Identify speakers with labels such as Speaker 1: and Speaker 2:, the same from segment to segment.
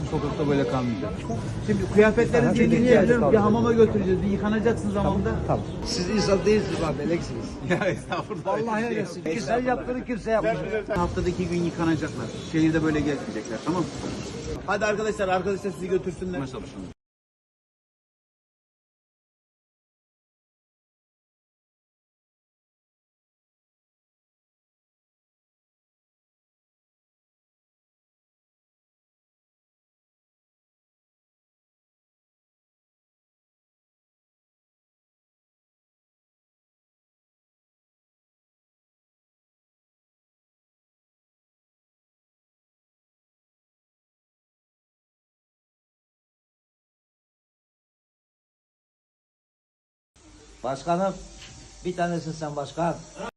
Speaker 1: sokakta böyle kalmayacak. Şimdi kıyafetlerinizi yenileyebilirim. Bir hamama götüreceğiz. Bir yıkanacaksınız hamamda.
Speaker 2: Tamam.
Speaker 3: Siz insan değilsiniz abi, meleksiniz.
Speaker 1: Ya estağfurullah.
Speaker 3: Vallahi öylesin. Ki sen yaptığını kimse yapmıyor.
Speaker 1: Haftada 2 gün yıkanacaklar. Şehirde böyle gezmeyecekler, tamam mı? Hadi arkadaşlar sizi götürsünler.
Speaker 3: Başkanım, bir tanesin sen başkan.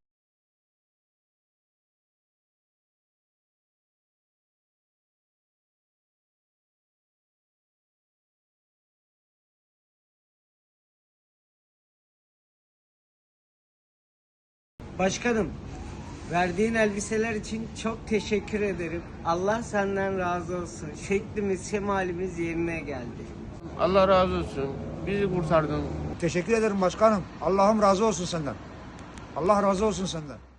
Speaker 4: Başkanım, verdiğin elbiseler için çok teşekkür ederim. Allah senden razı olsun. Şeklimiz, şemalimiz yerine geldi.
Speaker 5: Allah razı olsun. Bizi kurtardın.
Speaker 2: Teşekkür ederim başkanım. Allah'ım razı olsun senden. Allah razı olsun senden.